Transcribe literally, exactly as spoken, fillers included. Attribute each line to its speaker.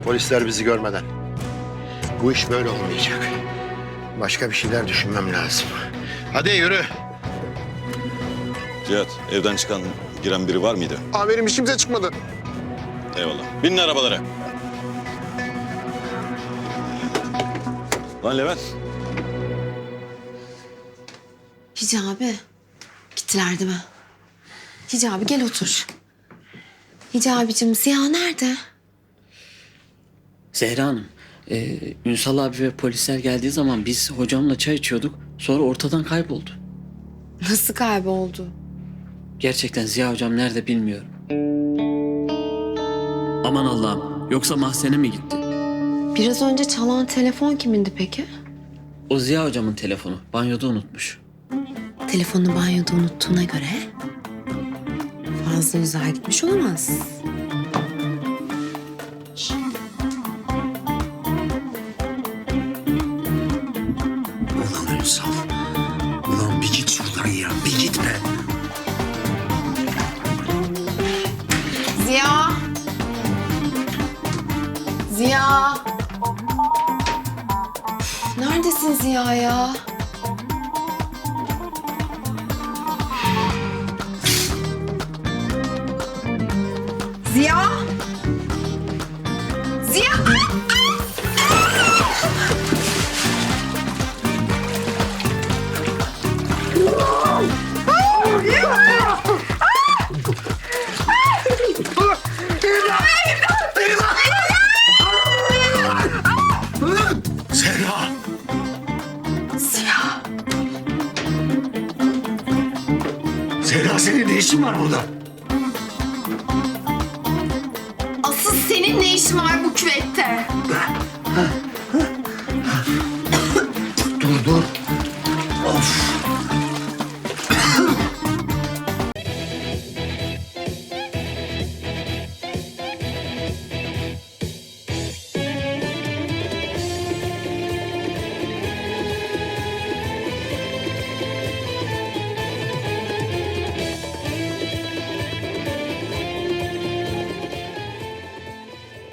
Speaker 1: Polisler bizi görmeden. Bu iş böyle olmayacak. Başka bir şeyler düşünmem lazım. Hadi yürü.
Speaker 2: Cihat, evden çıkan, giren biri var mıydı?
Speaker 3: Amirim hiç kimse çıkmadı.
Speaker 2: Eyvallah. Binin arabalara. Lan Levent.
Speaker 4: Hicabi. Gittiler değil mi? Hicabi gel otur. Hicabicim Ziya nerede?
Speaker 5: Zehra Hanım, e, Ünsal abi ve polisler geldiği zaman biz hocamla çay içiyorduk. Sonra ortadan kayboldu.
Speaker 4: Nasıl kayboldu?
Speaker 5: Gerçekten Ziya hocam nerede bilmiyorum. Aman Allah'ım, yoksa mahzene mi gitti?
Speaker 4: Biraz önce çalan telefon kimindi peki?
Speaker 5: O Ziya hocamın telefonu, banyoda unutmuş.
Speaker 4: Telefonunu banyoda unuttuğuna göre fazla uzağa gitmiş olamaz.
Speaker 6: Ulan Ünsal. Ulan bir git şuradan ya. Bir git be.
Speaker 4: Ziya! Ziya! Neredesin Ziya ya? Ziya! Ziya!
Speaker 6: Zehra.
Speaker 4: Ziya!
Speaker 6: Zehra senin ne işin var burada?
Speaker 4: Asıl senin ne işin var bu